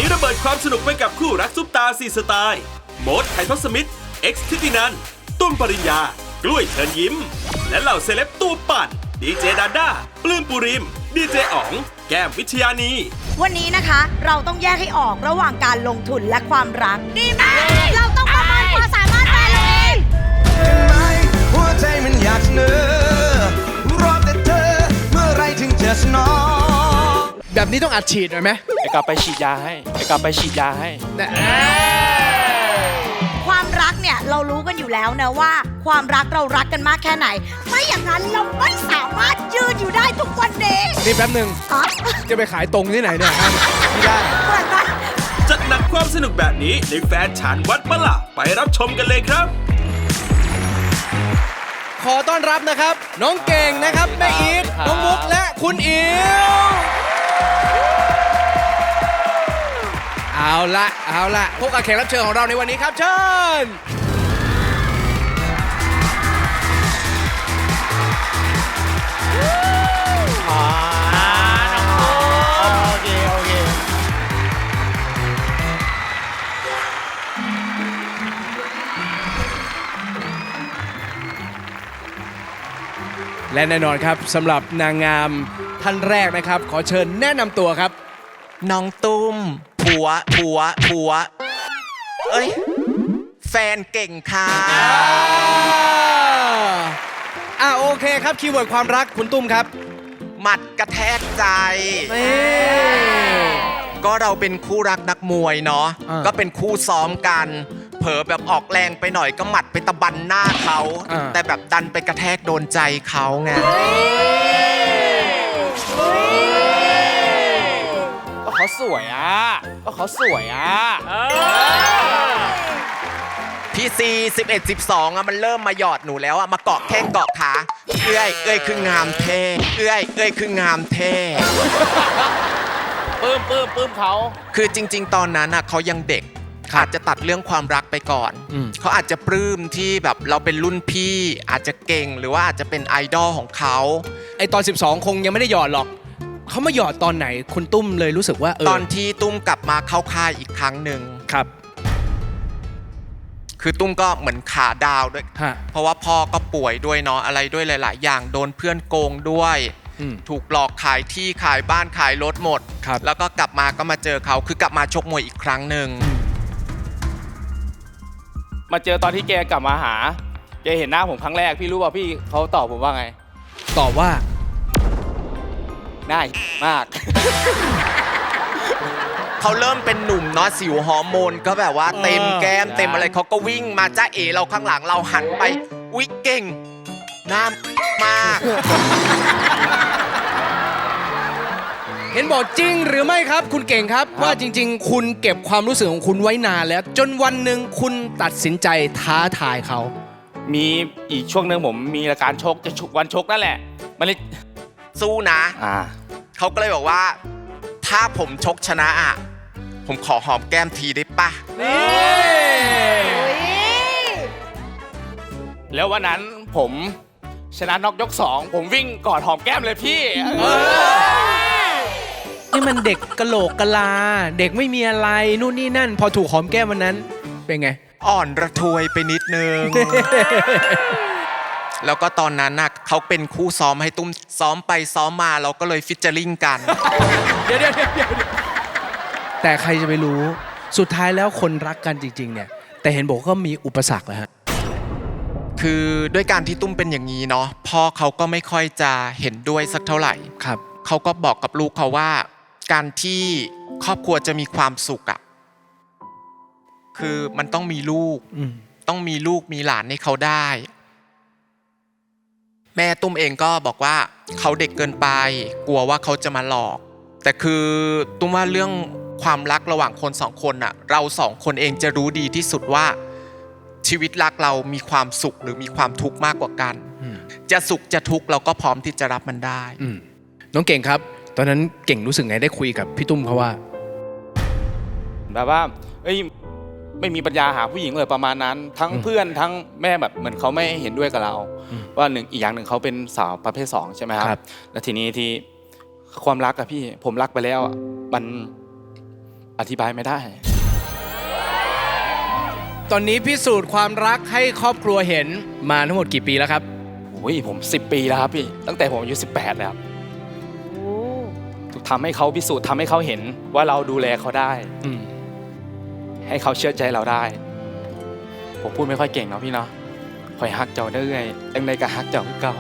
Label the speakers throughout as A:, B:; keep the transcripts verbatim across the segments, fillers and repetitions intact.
A: นี้ระเบิดความสนุกไปกับคู่รักซุปตาสี่สไตล์โมดไททศมิตรเอ็กซ์ทิตินันตุ้มปริญญากล้วยเชิญยิ้มและเหล่าเซเลบตัวปั่นดีเจดาด้าปลื้มปุริมดีเจอ๋องแก้มวิชยานี
B: วันนี้นะคะเราต้องแยกให้ออกระหว่างการลงทุนและความรักดีไหมเราต้องประเมินความสามารถแฟนเราเอง
C: หัวใจมันอยากเสนอรอแต่เธอเมื่อไรถึงจะสนอง
D: แบบนี้ต้องอัดฉีดหน่อยไหม
E: ไอ้กลับไปฉีดยาให้ไอ้กลับไปฉีดยาให้
B: ความรักเนี่ยเรารู้กันอยู่แล้วนะว่าความรักเรารักกันมากแค่ไหนไม่อย่างนั้นเราไม่สามารถยืนอยู่ได้ทุกวันนี้
D: นี่แป๊บหนึ่งจะไปขายตรงที่ไหนเนี่ยไม่ได้
A: จัดหนักความสนุกแบบนี้ในแฟนฉันวัดปะล่ะไปรับชมกันเลยครับ
D: ขอต้อนรับนะครับน้องเก่งนะครับแม่อีทน้องมุกและคุณอิ๋วเอาละเอาละพบกับแขกรับเชิญของเราในวันนี้ครับเชิญ
E: อ๋อน้องมุกโอเคโอเค
D: และแน่นอนครับสำหรับนางงามท่านแรกนะครับขอเชิญแนะนำตัวครับ
C: น้องตุ้มผัวผัวผัวเอ้ยแฟนเก่งค่ะ
D: อ่าโอเคครับคีย์เวิร์ดความรักคุณตุ้มครับ
C: หมัดกระแทกใจก็เราเป็นคู่รักนักมวยเนาะก็เป็นคู่ซ้อมกันเผลอแบบออกแรงไปหน่อยก็หมัดไปตะบันหน้าเขาแต่แบบดันไปกระแทกโดนใจเขาไง
E: ก็เขาสวยอ่ะก็เขาสวยอ่ะ
C: พี่ซีสิบเอ็ดสิบสองอะมันเริ่มมาหยอดหนูแล้วอะมาเกาะแข้งเกาะขาเอ้ยเอ้ยคืองามเท่เอ้ยเอ้ยคืองามเท่
E: ปื้มปื้มปื้มเขา
C: คือจริงๆตอนนั้นอะเขายังเด็กอาจจะตัดเรื่องความรักไปก่อนเขาอาจจะปลื้มที่แบบเราเป็นรุ่นพี่อาจจะเก่งหรือว่าอาจจะเป็นไอดอลของเขา
D: ไอตอนสิบสองคงยังไม่ได้หยอดหรอกเขามาหยอดตอนไหนคุณตุ้มเลยรู้สึกว่าเออ
C: ตอนที่ตุ้มกลับมาเข้าค่ายอีกครั้งหนึ่ง
D: ครับ
C: คือตุ้มก็เหมือนขาดาวด้วยเพราะว่าพ่อก็ป่วยด้วยเนาะอะไรด้วยหลายๆอย่างโดนเพื่อนโกงด้วยถูกหลอกขายที่ขายบ้านขายรถหมดแล้วก็กลับมาก็มาเจอเขาคือกลับมาชกมวยอีกครั้งหนึ่ง
E: มาเจอตอนที่แกกลับมาหาแกเห็นหน้าผมครั้งแรกพี่รู้ป่ะพี่เขาตอบผมว่าไง
D: ตอบว่า
E: หน้ามาก
C: เขาเริ่มเป็นหนุ่มเนาะสิวฮอร์โมนก็แบบว่าเต็มแก้มเต็มอะไรเขาก็วิ่งมาจ้าเอเราข้างหลังเราหันไปอุ๊ยเก่งหน้ามาก
D: เห็นบอกจริงหรือไม่ครับคุณเก่งครับว่าจริงๆคุณเก็บความรู้สึกของคุณไว้นานแล้วจนวันหนึ่งคุณตัดสินใจท้าทายเขา
E: มีอีกช่วงหนึ่งผมมีรายการชกจะชุกวันชกนั่นแหละมันเลย
C: สู้นะเขาก็เลยบอกว่าถ้าผมชกชนะอ่ะผมขอหอมแก้มทีได้ปะ
E: แล้ววันนั้นผมชนะน็อกยกสองผมวิ่งกอดหอมแก้มเลยพี่
D: นี่มันเด็กกะโหลกกะลาเด็กไม่มีอะไรนู่นนี่นั่นพอถูกหอมแก้มวันนั้นเป็นไง
C: อ่อนระทวยไปนิดนึง แล้วก็ตอนนั้นน่ะเขาเป็นคู่ซ้อมให้ตุ้มซ้อมไปซ้อมมาเราก็เลยฟิชเจอริ่งกัน
D: เดี๋ยวเดี๋ยวเดี๋ยวแต่ใครจะไปรู้สุดท้ายแล้วคนรักกันจริงๆเนี่ยแต่เห็นบอกก็มีอุปสรรคนะฮะ
C: คือด้วยการที่ตุ้มเป็นอย่างนี้เนาะพ่อเขาก็ไม่ค่อยจะเห็นด้วยสักเท่าไหร่
D: ครับ
C: เขาก็บอกกับลูกเขาว่าการที่ครอบครัวจะมีความสุขอ่ะคือมันต้องมีลูกต้องมีลูกมีหลานให้เขาได้แม่ตุ้มเองก็บอกว่าเขาเด็กเกินไปกลัวว่าเขาจะมาหลอกแต่คือตุ้มว่าเรื่องความรักระหว่างคนสองคนน่ะเราสองคนเองจะรู้ดีที่สุดว่าชีวิตรักเรามีความสุขหรือมีความทุกข์มากกว่ากันจะสุขจะทุกข์เราก็พร้อมที่จะรับมันได้
D: น้องเก่งครับตอนนั้นเก่งรู้สึกไงได้คุยกับพี่ตุ้มเขาว่า
E: แบบว่าเอ้ยไม่มีปัญญาหาผู้หญิงเลยประมาณนั้นทั้งเพื่อนทั้งแม่แบบเหมือนเขาไม่เห็นด้วยกับเราว่าหนึ่งอีกอย่างหนึ่งเขาเป็นสาวประเภทสองใช่ไหมครับแล้วทีนี้ที่ความรักอะพี่ผมรักไปแล้วมันอธิบายไม่ได้
D: ตอนนี้พิสูจน์ความรักให้ครอบครัวเห็นมาทั้งหมดกี่ปีแล้วครับ
E: โอ้ยผมสิบปีแล้วครับพี่ตั้งแต่ผมอายุสิบแปดแล้วครับทำให้เขาพิสูจน์ทำให้เขาเห็นว่าเราดูแลเขาได้
D: อืม
E: ให้เขาเชื่อใจเราได้ ผมพูดไม่ค่อยเก่งเนาะพี่เนาะคอยฮักเจ้าเรื่อยตั้งใดก็ฮักเจ้าคือเก่า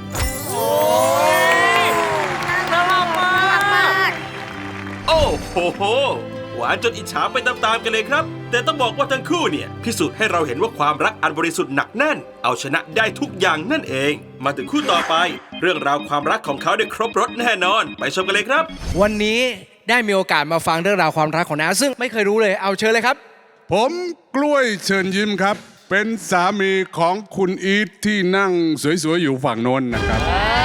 B: น่ารักมาก
A: โอ้โหโหหวานจนอิจฉาไปตามๆกันเลยครับ แต่ต้องบอกว่าทั้งคู่เนี่ยพิสูจน์ให้เราเห็นว่าความรักอันบริสุทธิ์หนักแน่น เอาชนะได้ทุกอย่างนั่นเอง มาถึงคู่ต่อไป เรื่องราวความรักของเขาได้ครบรสแน่นอน ไปชมกันเลยครับ
D: วันนี้ได้มีโอกาสมาฟังเรื่องราวความรักของน้าซึ่งไม่เคยรู้เลยเอาเชิญเลยครับ
F: ผมกล้วยเชิญยิ้มครับ เป็นสามีของคุณอีทที่นั่งสวยๆ อยู่ฝั่งโน้นนะครับ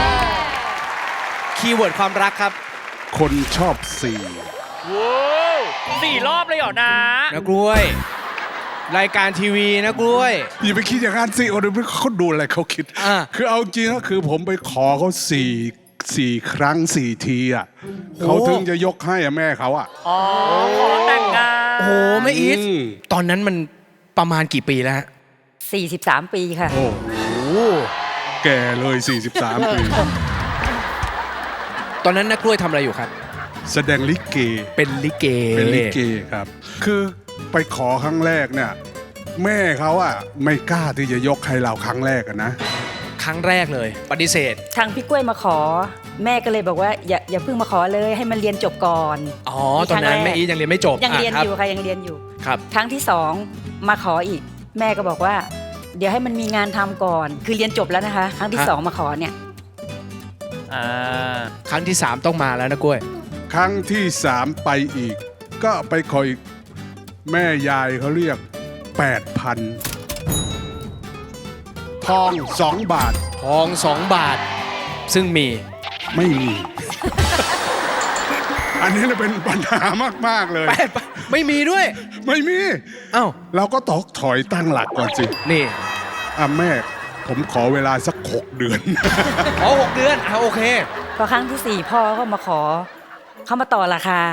D: คีย์เวิร์ดความรักครับ
F: คนชอบสี่
G: สี่รอบเลยเหรอนะ
D: นะกล้วย รายการทีวีนะกล้วย
F: อย่าไปคิดอย่างนั้นสิโอ้ยเขาดูอะไรเขาคิด
D: อ่า
F: คือเอาจริงก็คือผมไปขอเขาสี่สี่ครั้งสี่ทีอ่ะเขาถึงจะยกให้อะแม่เขาอ่ะ
G: อ๋อ ขอแต่งงาน
D: โอ้โหแม่อีท
F: อืม
D: ตอนนั้นมันประมาณกี่ปีแล้วฮะ
H: สี่สิบสาม ปีค่ะ
F: โอ้โหแก่เลยสี่สิบสามปี
D: ตอนนั้นนักกล้วยทำอะไรอยู่ครับ
F: แสดงลิเก
D: เป็นลิเก
F: เป็นลิเกครับ คือไปขอครั้งแรกเนี่ยแม่เขาอะไม่กล้าที่จะยกให้เราครั้งแรกอะนะ
D: ครั้งแรกเลย ปฏิเสธ
H: ทางพี่กล้วยมาขอ แม่ก็เลยบอกว่าอย่าอย่าเพิ่งมาขอเลยให้มันเรียนจบก่อน
D: อ๋อ ตอนนั้นแม่อีทยังเรียนไม่จบ
H: ยังเรียน
D: ะคบ
H: อยู่ค่ะยังเรียนอยู่
D: ครับ
H: ครั้งที่สองมาขออีก แม่ก็บอกว่า เดี๋ยวให้มันมีงานทำก่อน คือเรียนจบแล้วนะคะ ครั้งที่สองมาขอเนี่ย
G: อ่า
D: ครั้งที่สามต้องมาแล้วนะกล้วย
F: ครั้งที่สามไปอีก ก็ไปขออีกแม่ยายเขาเรียกแปดพันทองสองบาท
D: ทองสองบาท ซึ่งมี
F: ไม่มี อันนี้น่ะเป็นปัญหามาก ๆ เลย
D: แปดบาทไม่มีด้วย
F: ไม่มี
D: เอ้า
F: เราก็ตอกถอยตั้งหลักก่อนสิ
D: นี่
F: อ่ะแม่ผมขอเวลาสักหกเดือน
D: อ๋อหกเดือนอ่ะโอเค
H: พอครั้งที่สี่พ่อก็มาขอ เขามาต่อราคา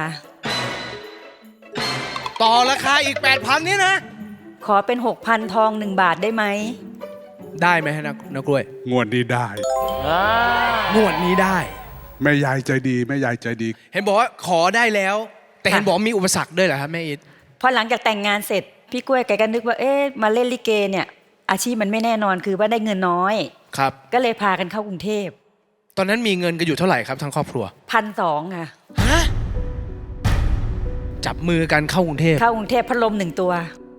D: ต่อราคาอีก แปดพัน นี่นะ
H: ขอเป็นหกพันทองหนึ่งบาทได้ไหม
D: ได้ไหมฮะนักนักกล้วย
F: งวดนี้ได้
D: งวดนี้ได้
F: แม่ยายใจดีแม่ยายใจดี
D: เห็นบอกว่าขอได้แล้ว แต่เห็น
H: ค่ะ
D: บอกมีอุปสรรคด้วยเหรอครับแม่อีท
H: พอหลังจากแต่งงานเสร็จ พี่กล้วยแกก็นึกว่าเอ๊ะมาเล่นลิเกเนี่ยอาชีพมันไม่แน่นอนคือว่าได้เงินน้อย
D: ครับ
H: ก็เลยพากันเข้ากรุงเทพ
D: ตอนนั้นมีเงินกันอยู่เท่าไหร่ครับทั้งครอบครัว
H: พันสองค่ะ
D: ฮะ จับมือกันเข้ากรุงเทพ
H: เข้ากรุงเทพพัดลมหนึ่งตัว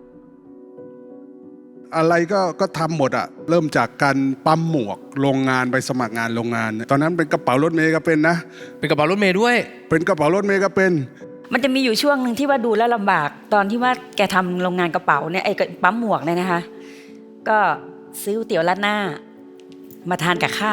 F: อะไรก็ก็ทำหมดอะเริ่มจากการปั๊มหมวกโรงงานไปสมัครงานโรงงาน ตอนนั้นเป็นกระเป๋ารถเมย์ก็เป็นนะ
D: เป็นกระเป๋ารถเมย์ด้วย
F: เป็นกระเป๋ารถเมย์ก็เป็น
H: มันจะมีอยู่ช่วงหนึ่งที่ว่าดูแล้วลำบาก ตอนที่ว่าแกทำโรงงานกระเป๋าเนี่ยไอ้ปั๊มหมวกเนี่ยนะคะ ก็ซื้อก๋วยเตี๋ยวราดหน้า มาทานกับข้าว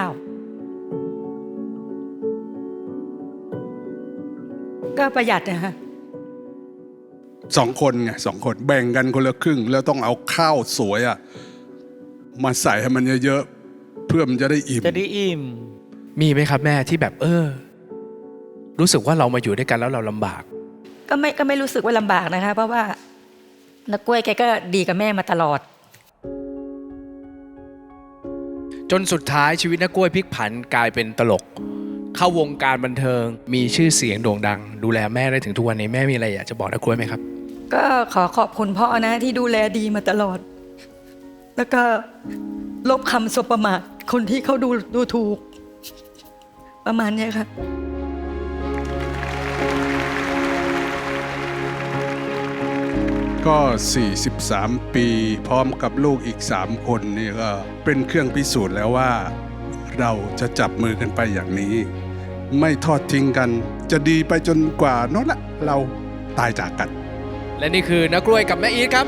H: ก็ประหยัดนะคะ
F: สองคนไงสองคนแบ่งกันคนละครึ่ง แล้วต้องเอาข้าวสวยอะมาใส่ให้มันเยอะๆเพื่อมันจะได้อิ่ม
G: จะได้อิ่ม
D: มีไหมครับแม่ที่แบบเออ รู้สึกว่าเรามาอยู่ด้วยกันแล้วเราลำบาก
H: ก็ไม่ก็ไม่รู้สึกว่าลำบากนะคะ เพราะว่านักกล้วยแกก็ดีกับแม่มาตลอด
D: จนสุดท้ายชีวิตนักกล้วยพลิกผันกลายเป็นตลก เข้าวงการบันเทิง มีชื่อเสียงโด่งดัง ดูแลแม่ได้ถึงทุกวันนี้แม่มีอะไรอยากจะบอกนักกล้วยไหมครับ
H: ก็ขอขอบคุณพ่อนะที่ดูแลดีมาตลอด แล้วก็ลบคำสบประมาทคนที่เขาดูดูถูก ประมาณเนี้ยค่ะ
F: ก็ สี่สิบสาม ปีพร้อมกับลูกอีก สาม คนนี่ก็เป็นเครื่องพิสูจน์แล้วว่า เราจะจับมือกันไปอย่างนี้ ไม่ทอดทิ้งกัน จะดีไปจนกว่าโนั่นละเราตายจากกัน
D: และนี่คือนักกล้วยกับแม่อีทครับ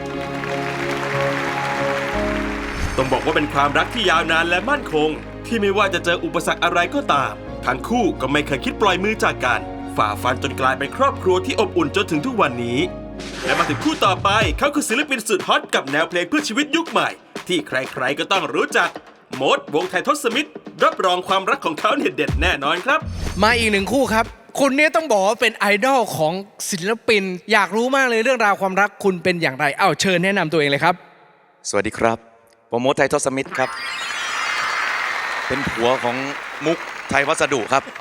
A: ต้องบอกว่าเป็นความรักที่ยาวนานและมั่นคง ที่ไม่ว่าจะเจออุปสรรคอะไรก็ตาม ทั้งคู่ก็ไม่เคยคิดปล่อยมือจากกัน ฝ่าฟันจนกลายเป็นครอบครัวที่อบอุ่นจนถึงทุกวันนี้ และมาถึงคู่ต่อไปเขาคือศิลปินสุดฮอตกับแนวเพลงเพื่อชีวิตยุคใหม่ ที่ใครๆก็ต้องรู้จักโมดวงไทยทศมิตรรับรองความรักของเขาเนี่ยเด็ดแน่นอนครับ
D: มาอีกหนึ่งคู่ครับคุณเนี่ยต้องบอกว่าเป็นไอดอลของศิลปิน อยากรู้มากเลยเรื่องราวความรักคุณเป็นอย่างไรเอ้าเชิญแนะนำตัวเองเลยครับ
I: สวัสดีครับผมโมดไททอสมิธครับ เป็นผัวของมุกไทยวัสดุครับ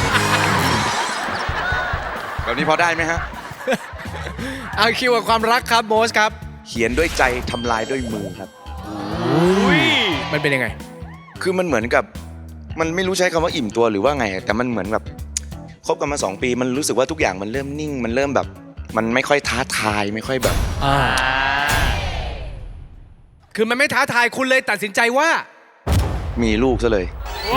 I: แบบนี้พอได้ไหมฮะ
D: เอาคิวกับความรักครับโมสครับ
I: เขียนด้วยใจทำลายด้วยมือครับ
G: อุ้ย
D: มันเป็นยังไง
I: คือมันเหมือนกับมันไม่รู้ใช้คำว่าอิ่มตัวหรือว่าไง แต่มันเหมือนแบบคบกันมาสองปี มันรู้สึกว่าทุกอย่างมันเริ่มนิ่ง มันเริ่มแบบ มันไม่ค่อยท้าทายไม่ค่อยแบบ
D: อ่า คือมันไม่ท้าทายคุณเลยตัดสินใจว่า
I: มีลูกซะเลย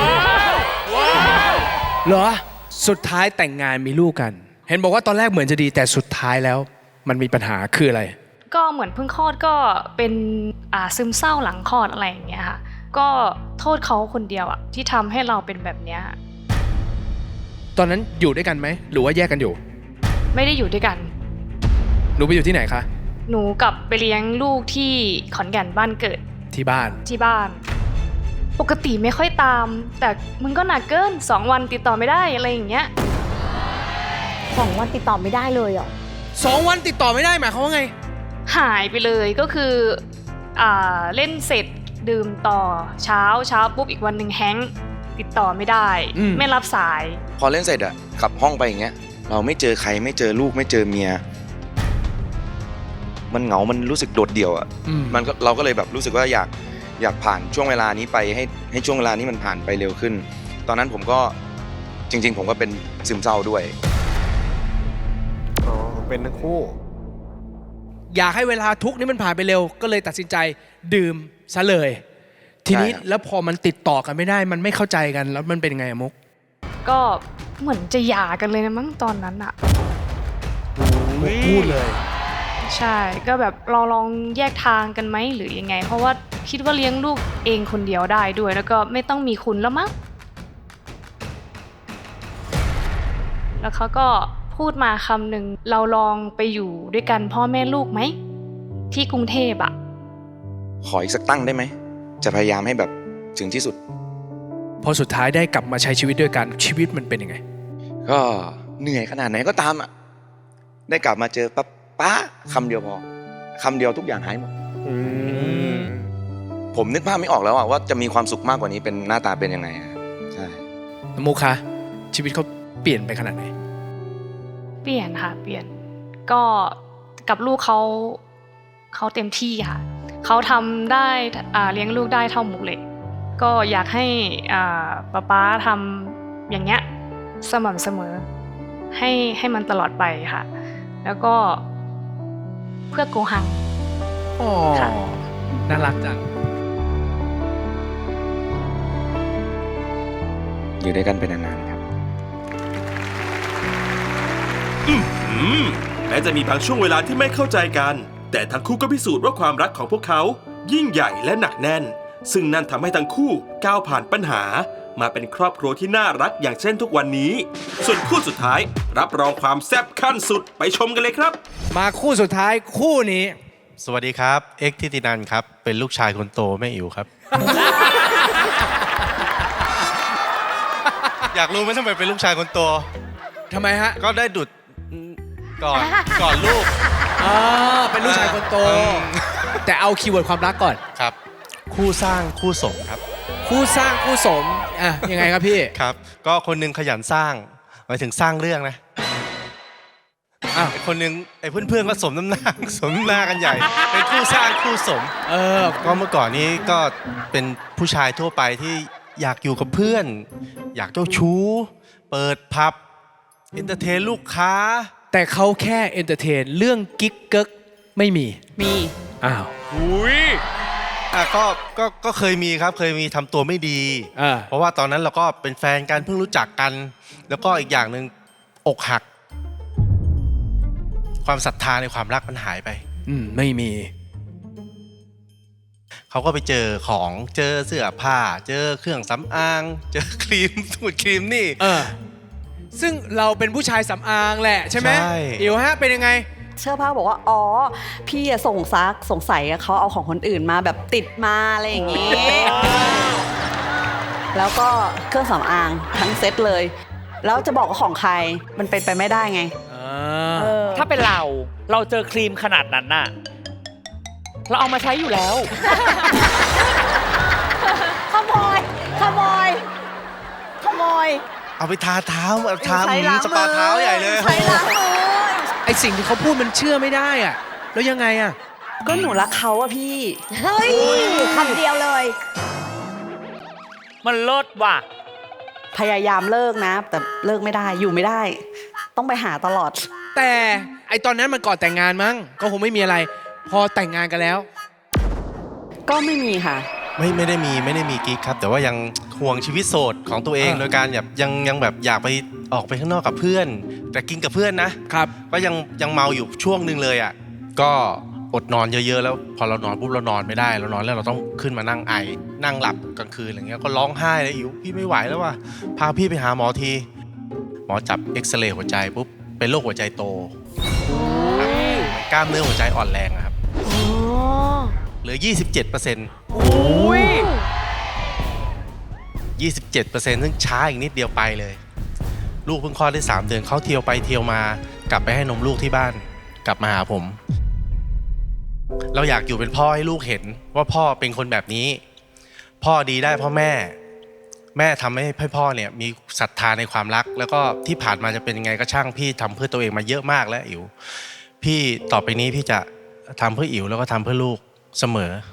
D: เหรอ สุดท้ายแต่งงานมีลูกกัน เห็นบอกว่าตอนแรกเหมือนจะดีแต่สุดท้ายแล้ว มันมีปัญหาคืออะไร
J: ก็เหมือนเพิ่งคลอดก็เป็นอ่าซึมเศร้าหลังคลอดอะไรอย่างเงี้ยค่ะก็โทษเขาคนเดียวอะที่ทำให้เราเป็นแบบเนี้ย
D: ตอนนั้นอยู่ด้วยกันไหมหรือว่าแยกกันอยู่
J: ไม่ได้อยู่ด้วยกัน
D: หนูไปอยู่ที่ไหนคะ
J: หนูกลับไปเลี้ยงลูกที่ขอนแก่นบ้านเกิด
D: ที่บ้าน
J: ที่บ้าน ปกติไม่ค่อยตาม แต่มึงก็หนักเกินสองวันติดต่อไม่ได้อะไรอย่างเงี้ย
B: สองวันติดต่อไม่ได้เลยเหรอ
D: สองวันติดต่อไม่ได้หมายความว่าไง
J: หายไปเลยก็คืออ่าเล่นเสร็จดื่มต่อเช้าเช้าปุ๊บอีกวันหนึ่งแฮงก์ติดต่อไม่ได้
D: อืม
J: ไม่รับสาย
I: พอเล่นเสร็จอะกลับห้องไปอย่างเงี้ย เราไม่เจอใครไม่เจอลูกไม่เจอเมีย มันเหงา มันรู้สึกโดดเดี่ยวอะ
D: อืม
I: มันก็เราก็เลยแบบรู้สึกว่าอยากอยากผ่านช่วงเวลานี้ไปให้ให้ช่วงเวลานี้มันผ่านไปเร็วขึ้น ตอนนั้นผมก็จริง ๆ ผมก็เป็นซึมเศร้าด้วย
K: อ๋อเป็นทั้งคู่
D: อยากให้เวลาทุกข์นี้มันผ่านไปเร็ว ก็เลยตัดสินใจดื่มซะเลย ทีนี้
I: ใช่ครับ
D: แล้วพอมันติดต่อกันไม่ได้ มันไม่เข้าใจกันแล้วมันเป็นยังไงอะมุก
J: ก็เหมือนจะหย่ากันเลยนะมั้งตอนนั้นอะ
D: มุกพูดเลย
J: ใช่ก็แบบเราลองแยกทางกันไหมหรือยังไง เพราะว่าคิดว่าเลี้ยงลูกเองคนเดียวได้ด้วย แล้วก็ไม่ต้องมีคุณแล้วมั้งแล้วเขาก็พูดมาคำหนึ่งเราลองไปอยู่ด้วยกันพ่อแม่ลูกไหมที่กรุงเทพอะ
I: ขออีกสักตั้งได้ไหม จะพยายามให้แบบถึงที่สุด
D: พอสุดท้ายได้กลับมาใช้ชีวิตด้วยกันชีวิตมันเป็นยังไง
I: ก็เหนื่อยขนาดไหนก็ตามอ่ะ ได้กลับมาเจอปั๊บป้าคำเดียวพอคำเดียวทุกอย่างหายหมด ผมนึกภาพไม่ออกแล้วอ่ะว่าจะมีความสุขมากกว่านี้เป็นหน้าตาเป็นยังไงอะใช่
D: มุกคะชีวิตเขาเปลี่ยนไปขนาดไหน
J: เปลี่ยนค่ะเปลี่ยนก็กับลูกเขาเขาเต็มที่ค่ะเขาทำได้อ่าเลี้ยงลูกได้เท่ามุกเลยก็อยากให้อ่าป๊าป๊าทำอย่างเงี้ยสม่ำเสมอให้ให้มันตลอดไปค่ะ แล้วก็เพื่อโกหัง
D: อ๋อ
J: ค่ะ
D: น่ารักจัง
I: อยู่ด้วยกันเป็นนานๆครับ
A: อืมแม้จะมีบางช่วงเวลาที่ไม่เข้าใจกัน แต่ทั้งคู่ก็พิสูจน์ว่าความรักของพวกเขายิ่งใหญ่และหนักแน่น ซึ่งนั่นทำให้ทั้งคู่ก้าวผ่านปัญหา มาเป็นครอบครัวที่น่ารักอย่างเช่นทุกวันนี้ ส่วนคู่สุดท้ายรับรองความแซ่บขั้นสุดไปชมกันเลยครับ
D: มาคู่สุดท้ายคู่นี้
K: สวัสดีครับ เอ็กซ์ทิตินันครับ เป็นลูกชายคนโตแม่อิ๋วครับ อยากรู้ไหมทำไมเป็นลูกชายคนโต
D: ทำไมฮะ
K: ก็ได้ดุดก่อน ก่อนลูก
D: อ่าเป็นลูกชายคนโต
K: อืม
D: แต่เอาคีย์เวิร์ดความรักก่อน
K: ครับ คู่สร้างคู่สมครับ
D: คู่สร้างคู่สมอ่ะยังไงครับพี่
K: ครับ ก็คนหนึงขยันสร้างหมายถึงสร้างเรื่องนะ
D: อ้าว
K: ไอ้คนหนึงไอ้เพื่อนๆก็สมน้ำหน้า สมน้ำหน้ากันใหญ่ เป็นคู่สร้างคู่สม
D: เออ
K: ก็เมื่อก่อนนี้ก็เป็นผู้ชายทั่วไปที่อยากอยู่กับเพื่อน อยากเจ้าชู้ เปิดพับเอนเตอร์เทนลูกค้า
D: แต่เขาแค่เอนเตอร์เทนเรื่องกิ๊กเกิกไม่มี
J: มี
D: อ้าว
G: อุ้ย
K: อ่ะก็ก็ก็เคยมีครับเคยมีทำตัวไม่ดี
D: อ่า
K: เพราะว่าตอนนั้นเราก็เป็นแฟนกันเพิ่งรู้จักกัน แล้วก็อีกอย่างหนึ่งอกหัก ความศรัทธาในความรักมันหายไป
D: อืมไม่มี
K: เขาก็ไปเจอของเจอเสื้อผ้า เจอเครื่องสำอาง เจอครีมสูตรครีมนี่
D: เออ ซึ่งเราเป็นผู้ชายสำอางแหละใช่ไหม
K: ใช่
D: อิ๋วฮะเป็นยังไง
L: เชื่อผ้าบอกว่า อ๋อ พี่อะส่งซักสงสัยอะเขาเอาของคนอื่นมาแบบติดมาอะไรอย่างงี้ แล้วก็เครื่องสำอางทั้งเซ็ตเลยแล้วจะบอกว่าของใครมันเป็นไปไม่ได้ไง เออ
G: ถ้าเป็นเรา เราเจอครีมขนาดนั้นน่ะ เราเอามาใช้อยู่แล้ว
B: ขโมย ขโมย ขโมย
K: เอาไปทาเท้าเอาทา
L: ใช้ล้าง
K: สปาเท้าใหญ่เลย
B: ใช้ล้างมือ
D: ไอสิ่งที่เขาพูดมันเชื่อไม่ได้อะแล้วยังไงอะ
L: ก็หนูรักเขาอะพี่
B: เฮ้ยคำเดียวเลย
G: มันเลิศว่ะ
L: พยายามเลิกนะ แต่เลิกไม่ได้อยู่ไม่ได้ ต้องไปหาตลอด
D: แต่ไอตอนนั้นมันก่อนแต่งงานมั้งก็คงไม่มีอะไร พอแต่งงานกันแล้ว
L: ก็ไม่มีค่ะ
K: ไม่ไม่ได้มีไม่ได้มีกิ๊กครับ แต่ว่ายังห่วงชีวิตโสดของตัวเอง
D: อ่า
K: โดยการแบบยังยังแบบอยากไปออกไปข้างนอกกับเพื่อน แต่กินกับเพื่อนนะครับ ก็ยังยังเมาอยู่ช่วงหนึ่งเลยอ่ะก็อดนอนเยอะๆแล้วพอเรานอนปุ๊บเรานอนไม่ได้เรานอนแล้วเราต้องขึ้นมานั่งไอนั่งหลับกลางคืนอะไรเงี้ยก็ร้องไห้เลยอิ๋วพี่ไม่ไหวแล้วว่ะพาพี่ไปหาหมอทีหมอจับเอ็กซเรย์หัวใจปุ๊บเป็นโรคหัวใจโตครับกล้ามเนื้อหัวใจอ่อนแรงอะครับเหลือ ยี่สิบเจ็ดเปอร์เซ็นต์
G: อุ้ย
K: ยี่สิบเจ็ดเปอร์เซ็นต์ซึ่งช้าอีกนิดเดียวไปเลย ลูกเพิ่งคลอดได้สามเดือนเขาเที่ยวไปเที่ยวมากลับไปให้นมลูกที่บ้านกลับมาหาผม เราอยากอยู่เป็นพ่อให้ลูกเห็นว่าพ่อเป็นคนแบบนี้ พ่อดีได้เพราะแม่ แม่ทำให้ให้พ่อเนี่ยมีศรัทธาในความรัก แล้วก็ที่ผ่านมาจะเป็นยังไงก็ช่างพี่ทำเพื่อตัวเองมาเยอะมากแล้วอิ๋วพี่ต่อไปนี้พี่จะทำเพื่ออิ๋วแล้วก็ทำเพื่อลูกเสมอ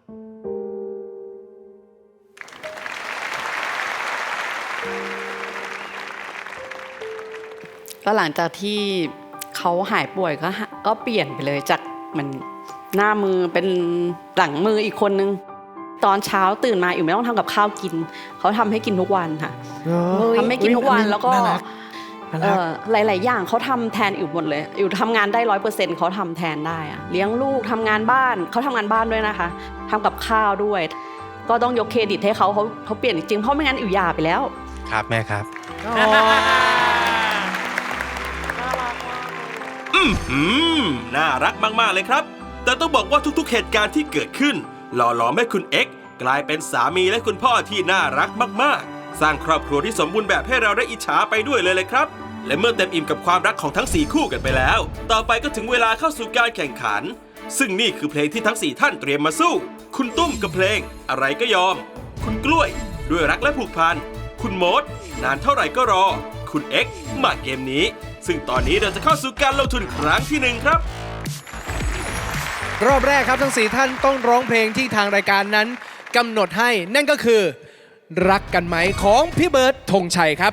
L: ก็หลังจากที่เขาหายป่วยก็หาก็เปลี่ยนไปเลยจากมันหน้ามือเป็นหลังมืออีกคนนึง ตอนเช้าตื่นมาอิ๋วไม่ต้องทำกับข้าวกินเขาทำให้กินทุกวันค่ะทำให้กินทุกวันแล้วก็เอ่อหลาย ๆ อย่างเขาทำแทนอิ๋วหมดเลยอิ๋วทำงานได้ร้อยเปอร์เซ็นต์เขาทำแทนได้อะเลี้ยงลูกทำงานบ้านเขาทำงานบ้านด้วยนะคะทำกับข้าวด้วย ก็ต้องยกเครดิตให้เขาเขาเขาเปลี่ยนจริงๆเพราะไม่งั้นอิ๋วหย่าไปแล้ว
K: ครับแม่ครับ
A: อืมอืมน่ารักมากๆเลยครับ แต่ต้องบอกว่าทุกๆเหตุการณ์ที่เกิดขึ้นหล่อหลอมให้คุณเอ็กซ์กลายเป็นสามีและคุณพ่อที่น่ารักมากๆ สร้างครอบครัวที่สมบูรณ์แบบให้เราได้อิจฉาไปด้วยเลยเลยครับ และเมื่อเต็มอิ่มกับความรักของทั้งสี่คู่กันไปแล้ว ต่อไปก็ถึงเวลาเข้าสู่การแข่งขัน ซึ่งนี่คือเพลงที่ทั้งสี่ท่านเตรียมมาสู้ คุณตุ้มกับเพลงอะไรก็ยอม คุณกล้วยด้วยรักและผูกพันคุณโมดนานเท่าไหร่ก็รอ คุณเอ็กซ์มาเกมนี้ซึ่งตอนนี้เราจะเข้าสู่การลงทุนครั้งที่หนึ่งครับ
D: รอบแรกครับทั้งสี่ท่านต้องร้องเพลงที่ทางรายการนั้นกำหนดให้นั่นก็คือ รักกันไหมของพี่เบิร์ดธงชัยครับ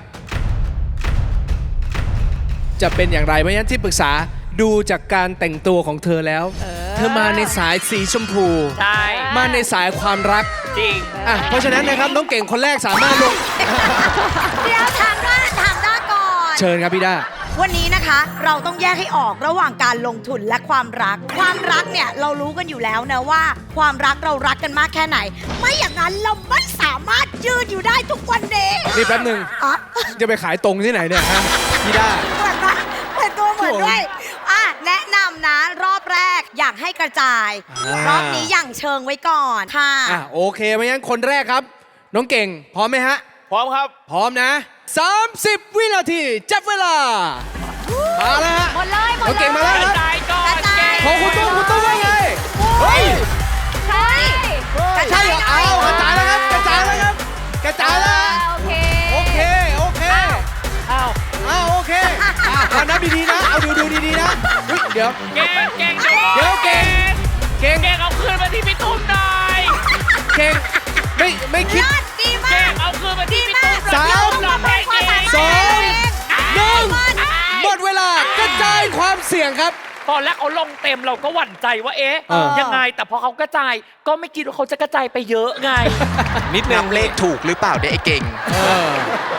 D: จะเป็นอย่างไรเพราะฉะนั้นที่ปรึกษาดูจากการแต่งตัวของเธอแล้ว เธอมาในสายสีชมพู
G: ใช่
D: มาในสายความรัก
G: จริง
D: อ่ะเพราะฉะนั้นนะครับน้องเก่งคนแรกสามารถลง
B: เดี๋ยวถามด้าถามด้าก่อน
D: เชิญครับพี่ด้า
B: วันนี้นะคะเราต้องแยกให้ออกระหว่างการลงทุนและความรัก ความรักเนี่ยเรารู้กันอยู่แล้วนะว่า ความรักเรารักกันมากแค่ไหน ไม่อย่างนั้นเราไม่สามารถยืนอยู่ได้ทุกวันนี้
D: นี่แป๊บหนึ่ง
B: อ่ะ
D: จะไปขายตรงที่ไหนเนี่ยฮะพี่ด้า
B: เหมือนปะเหมือนตัวเหมือนด้วยอ่ะแนะนำนะรอบแรกอยากให้กระจาย
D: อ่าร ร
B: อบนี้อย่างเชิงไว้ก่อนค่ะ
D: อ่ะโอเคเพราะฉะนั้นคนแรกครับ น้องเก่งพร้อมไหมฮะ
E: พร้อมครับ
D: พร้อมนะ สามสิบ วินาทีจับเวลา มาแล้วฮะ
B: หมดเลยหมด
D: น้อง
B: เล
D: เก่งมาแล้ว
B: ย
D: ครับ
G: ตายก่อน
B: กระจาย
D: ของคุณตุ้มคุณตุ้มว่าไง เฮ้ย
B: ใช่กระ
D: ใช่
B: จาย
D: เหรอ
B: หน่
D: เอา
B: อย
D: กระจายแล้วครับ กระจายแล้วครับ กระจายแล้ว
B: โอเค
D: โอเค โอเค
G: อ้าว
D: อ้าวโอเคอ่ะเอานับดีๆนะ เอาดูดูดีๆนะอุ๊ยเดี๋ยว
G: เก่งเก่ง
D: เดี๋ยวเก่ง เก่ง
G: เก่งเอาคืนมาที่พี่ตุ้มหน่อย
D: เก่ง ไม่ไม่คิด
B: เลิศดีมา
G: เก่
B: ก
G: งเอาคืนมาที่พี่ตุ้ม
D: สาม
G: หน่อยเก่ง
D: สองหนึ่งหมดเวลากระจายความเสี่ยงครับ
G: ตอนแรกเขาลงเต็มเราก็หวั่นใจว่าเอ๊ะ
D: เออ
G: ยังไงแต่พอเขากระจายก็ไม่คิดว่าเขาจะกระจายไปเยอะไง
C: นิดนึงเลขถูกหรือเปล่าเนี่ยไอ้เก่ง
D: เออ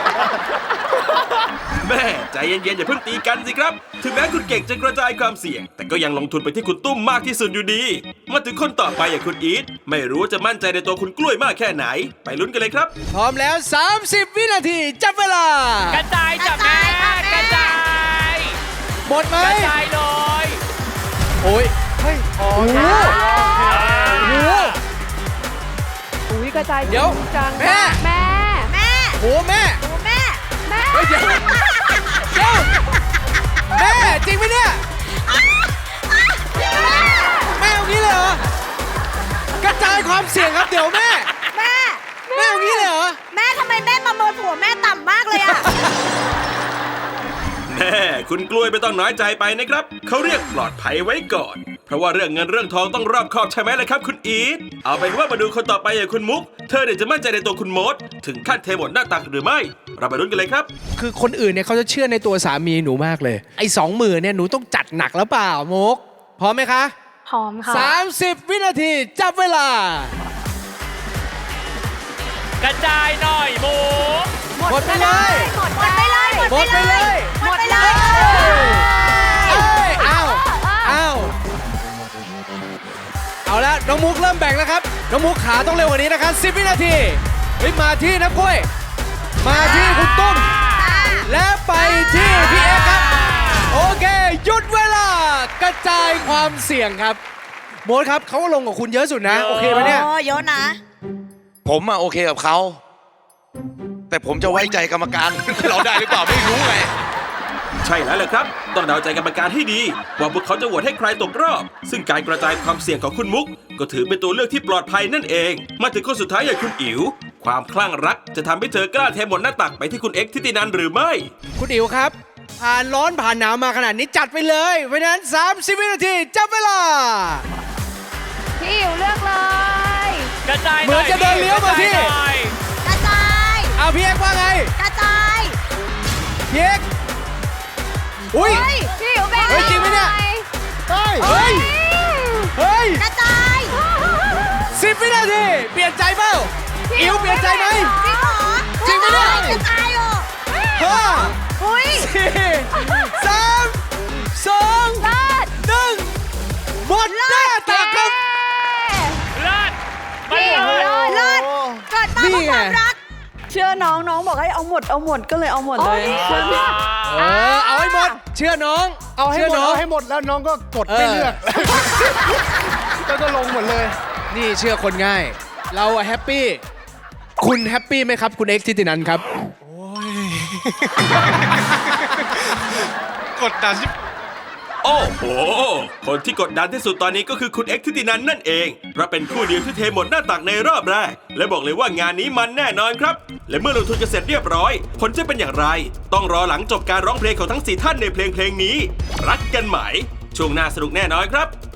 A: แม่ใจเย็นๆอย่าเพิ่งตีกันสิครับ ถึงแม้คุณเก่งจะกระจายความเสี่ยง แต่ก็ยังลงทุนไปที่คุณตุ้มมากที่สุดอยู่ดี มาถึงคนต่อไปอย่างคุณอีทไม่รู้ว่าจะมั่นใจในตัวคุณกล้วยมากแค่ไหน ไปลุ้นกันเลยครับ
D: พร้อมแล้ว สามสิบ วินาทีจับเวลา
G: กระจายจ้ะแม่กระจาย
D: หมดไหม
G: กระจายเลย
D: โอ้ยเฮ้ยโอ้โหโอ้โห
L: อุ้ยกระจาย
D: เดี๋ยว
L: จัง
D: แม่
L: แม่
B: แม่
D: โอ้แม่
B: โอ้แม่
L: แม่
D: เฮ้ยเดี๋ยวเดี๋ยวแม่จริงไหมเนี่ยแม่เอางี้เลยเหรอกระจายความเสี่ยงครับเดี๋ยวแม่
B: แม่
D: แม่เอางี้เลยเหรอ
B: แม่ทำไมแม่ประเมินผัวแม่ต่ำมากเลยอะ
A: แม่คุณกล้วยไม่ต้องน้อยใจไปนะครับเขาเรียกปลอดภัยไว้ก่อน เพราะว่าเรื่องเงินเรื่องทองต้องรอบคอบใช่ไหมล่ะครับคุณอีทเอาเป็นว่ามาดูคนต่อไปอย่างคุณมุกเธอเนี่ยจะมั่นใจในตัวคุณมดถึงขั้นเทหมดหน้าตักหรือไม่เราไปลุ้นกันเลยครับ
D: คือคนอื่นเนี่ยเขาจะเชื่อในตัวสามีหนูมากเลยไอ้สองหมื่นเนี่ยหนูต้องจัดหนักแล้วเปล่ามุกพร้อมไหมคะ
J: พร้อมค่ะ
D: สามสิบวินาทีจับเวลา
G: กระจายหน่อยหมู
D: หมดไปเลย
B: หมดไปเลย
D: หมดไปเลย
B: หมดไปเลย
D: เอ้ยอ้าวอ้าวเอาละน้องมุกเริ่มแบ่งแล้วครับน้องมุกขาต้องเร็วกว่านี้นะครับสิบวินาทีเฮ้ยมาที่น้ำกล้วย มาที่คุณตุ้มและไปที่พี่เอกครับโอเคหยุดเวลากระจายความเสี่ยงครับโมดครับเขาก็ลงกับคุณเยอะสุดนะโอเคไหมเนี่ย
B: โอ้เยอะนะ
I: ผมอะโอเคกับเขาแต่ผมจะไว้ใจกรรมการ เราได้หรือเปล่าไม่รู้ไง
A: ใช่แล้วแหละครับ ต้องเดาใจกรรมการให้ดี ว่าพวกเขาจะโหวตให้ใครตกรอบ ซึ่งการกระจายความเสี่ยงของคุณมุก ก็ถือเป็นตัวเลือกที่ปลอดภัยนั่นเอง มาถึงคนสุดท้ายอย่างคุณอิ๋วความคลั่งรักจะทำให้เธอกล้าเทหมดหน้าตักไปที่คุณเอ็กซ์ทิตินันหรือไม่
D: คุณอิ๋วครับ ผ่านร้อนผ่านหนาวมาขนาดนี้จัดไปเลยเพราะฉะนั้นสามสิบวินาทีจับเวลา
M: พี่อิ๋วเลือกเลย
G: กระจาย
D: เหมือนจะเดินเลี้ยวมาที่
G: กระจายหน่อย
B: กระจาย
D: เอาพี่เอกว่าไง
B: กระจาย
D: พี่เอกอุ้ย
B: เฮ้ย
M: พี่อิ๋วแบ่ง
D: เฮ้ยจริงไหมเนี่ย
M: เฮ้ย
D: เฮ้ยเฮ้ย
B: กระจาย
D: สิบวินาทีเปลี่ยนใจเปล่าอิ๋วเปลี่ยนใจไหม
B: จริงเหรอ
D: จริงไหมเนี่ย
B: กระจายเหรอ
D: ห้า
B: อุ้ย
D: สี่สามสองหนึ่งหมดหน้าตักครับ
G: เลิศไม่
M: พี่
G: เห
M: อิ๋ว
G: ลือ
M: เลิศ
B: เลิศเกิดมาเพื่อความรัก
L: เชื่อน้องน้องบอกให้เอาหมดเอาหมดก็เลยเอาหมดเลย
D: เออเอาให้หมดเชื่อน้อง
N: เอาให้
D: ชื่
N: หมด
D: น้อง
N: เอาให้หมดแล้วน้องก็กดไม่เลือก แล้วก็ลงหมดเลย
D: นี่เชื่อคนง่าย เราอะแฮปปี้คุณแฮปปี้ไหมครับคุณเอ็กซ์ทิตินันครับ
K: กดดัน
A: โอ้โห คนที่กดดันที่สุดตอนนี้ก็คือคุณเอ็กซ์ทิตินันนั่นเอง เพราะเป็นคู่เดียวที่เทหมดหน้าตักในรอบแรก และบอกเลยว่างานนี้มันแน่นอนครับ และเมื่อลงทุนกันเสร็จเรียบร้อย ผลจะเป็นอย่างไร ต้องรอหลังจบการร้องเพลงของทั้งสี่ท่านในเพลงเพลงนี้ รักกันไหม ช่วงหน้าสนุกแน่นอนครับ